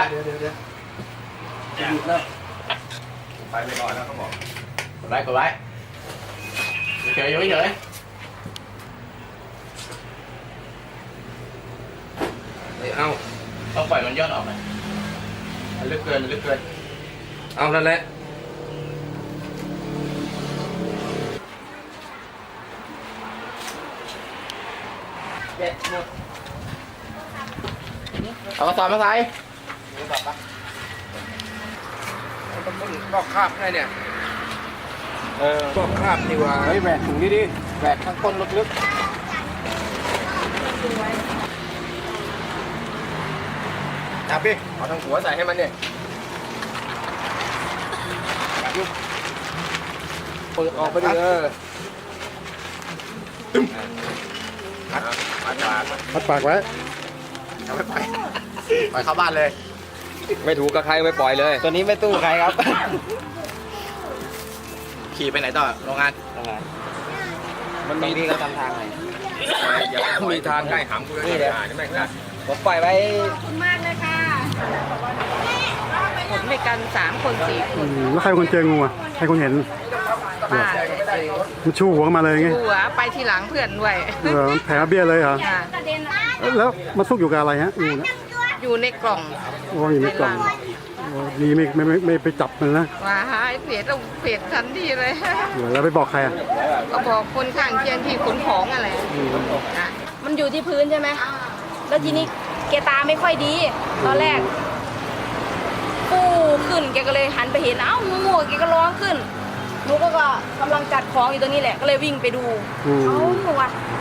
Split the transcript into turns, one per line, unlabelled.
เดี๋ยวหยุดแล้วไปก่อนแล้วเขาบอกกดไว้เฉยอยู่เฉยเอาต้องปล่อยมันย่อนออกไหมมันลึกเกินเอานั่นแหละเด็ดหมดเอากระสอบมาใส่ก็คาบไงเนี่ยก็คาบนี่ว่าแหวกถุงนี้ดิแหวกข้างก้นลึกๆจับดิเอาทางหัวใส่ให้มันเนี่ยเปิดออกไปดิพัดปากไว้เอาไปปล่อยเข้าบ้านเลยไม่ถูกกับใครไม่ปล่อยเลยตัวนี้ไม่ตู้ใครครับขี่ไปไหนต่อโรงงานมันมีที่เขาทำทางไหนมีทางใกล้หำกูเลยนี่แม่งนะผมปล่อยไว้
ขอบคุณมากเลยค่ะหมดด้วยกัน3 คน 4 คน
แล้วใครเป็นคนเจองูอ่ะใครคนเห็น
ป้า
มันชูหัวมาเลยไง
หัวไปทีหลังเพื่อนด้วย
มันแผลเบี้ยเลยเหรอ
ค่ะ
แล้วมันซุกอยู่กับอะไรฮะงูเนี่ย
อยู่ในกล่อง
โอ้ยอยู่ในกล่องโอ้ดีไม่ไปจับมันนะ
ว่าหายเปียกทันทีเลย
แล้วไปบอกใครอ่ะ
ก็บอกคนข้างเคียงที่ขนของอะไรนะ
มันอยู่ที่พื้นใช่ไหมแล้วทีนี้แกตาไม่ค่อยดี ตอนแรกปูขึ้นแกก็เลยหันไปเห็นเอ้างูแกก็ร้องขึ้นหนูก็กำลังจัดของอยู่ตรงนี้แหละก็เลยวิ่งไปดูเอ้าหนูว่า